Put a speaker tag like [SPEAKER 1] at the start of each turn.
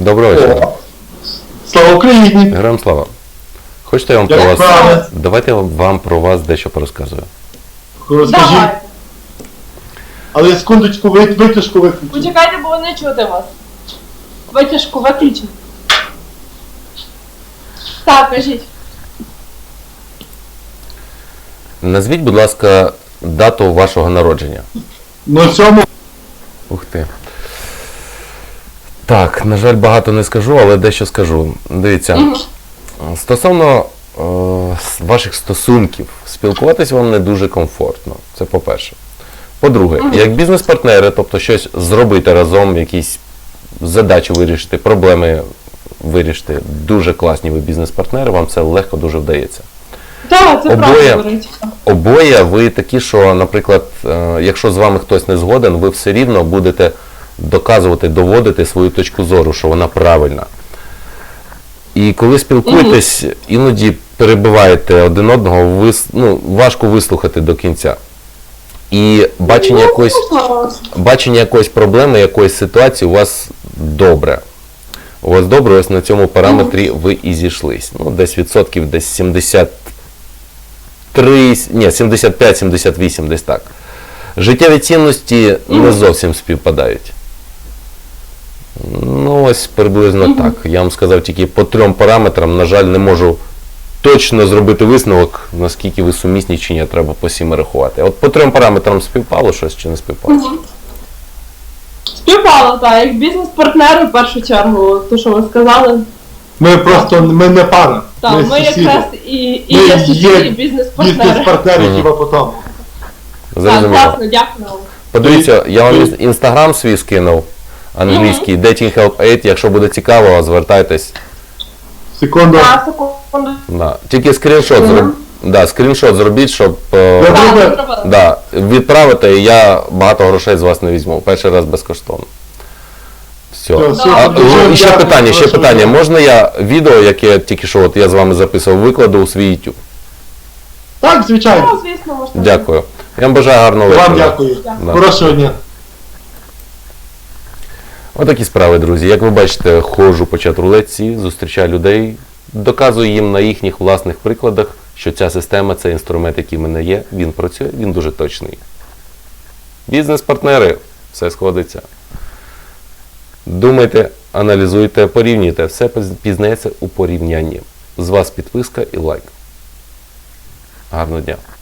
[SPEAKER 1] Доброго вечора.
[SPEAKER 2] Слава Україні!
[SPEAKER 1] Героям слава. Хочете я вам про вас... Давайте я вам про вас дещо порозказую.
[SPEAKER 2] Розкажіть.
[SPEAKER 3] Давайте.
[SPEAKER 2] Але секундочку, витяжку виключіть.
[SPEAKER 3] Почекайте, бо не чути вас. Витяжку виключіть. Так, кажіть.
[SPEAKER 1] Назвіть, будь ласка, дату вашого народження.
[SPEAKER 2] На цьому
[SPEAKER 1] Ух ти. Так, на жаль, багато не скажу, але дещо скажу. Дивіться, стосовно ваших стосунків, спілкуватись вам не дуже комфортно. Це по-перше. По-друге, як бізнес-партнери, тобто щось зробити разом, якісь задачі вирішити, проблеми вирішити, дуже класні ви бізнес-партнери, вам це легко дуже вдається.
[SPEAKER 3] Так, це правда говорить.
[SPEAKER 1] Обоє ви такі, що, наприклад, якщо з вами хтось не згоден, ви все рівно будете доказувати, доводити свою точку зору, що вона правильна. І коли спілкуєтесь, іноді перебиваєте один одного, важко вислухати до кінця. І бачення якоїсь проблеми, якоїсь ситуації у вас добре. У вас добре, ось на цьому параметрі ви і зійшлись. Ну, десь відсотків, десь 75-78, десь так. Життєві цінності не зовсім співпадають. Ну, ось приблизно так. Я вам сказав тільки по 3 параметрам, на жаль, не можу точно зробити висновок, наскільки ви сумісні чи ні, треба по 7 рахувати. От по 3 параметрам співпало щось чи не співпало?
[SPEAKER 3] Співпало, так, як бізнес-партнери в першу чергу, то, що ви сказали.
[SPEAKER 2] ми не пара.
[SPEAKER 3] Так, ми
[SPEAKER 2] сусіди.
[SPEAKER 3] якраз і є сусіди, бізнес-партнери.
[SPEAKER 2] Бізнес-партнери хіба по тому.
[SPEAKER 3] Так,
[SPEAKER 1] Зрозуміло.
[SPEAKER 3] класно, дякую.
[SPEAKER 1] Подивіться, я вам інстаграм свій скинув, англійський, Dating Help 8, якщо буде цікаво, звертайтесь.
[SPEAKER 2] Секунду.
[SPEAKER 3] Так, секунду.
[SPEAKER 1] Да. Тільки скріншот зробіть, щоб
[SPEAKER 3] Так,
[SPEAKER 1] відправити, і я багато грошей з вас не візьму. Перший раз безкоштовно. Все. І ще питання. Можна я відео, яке тільки що я з вами записував, викладу у свій YouTube?
[SPEAKER 2] Так, звичайно.
[SPEAKER 3] Ну, звісно, можна.
[SPEAKER 1] Дякую. Я вам бажаю гарного вечора.
[SPEAKER 2] Вам дякую.
[SPEAKER 1] Да.
[SPEAKER 2] Хорошого дня.
[SPEAKER 1] Отакі справи, друзі. Як ви бачите, ходжу по чат-рулетці, зустрічаю людей, доказую їм на їхніх власних прикладах, що ця система, цей інструмент, який в мене є, він працює, він дуже точний. Бізнес-партнери, все сходиться. Думайте, аналізуйте, порівнюйте. Все пізнається у порівнянні. З вас підписка і лайк. Гарного дня.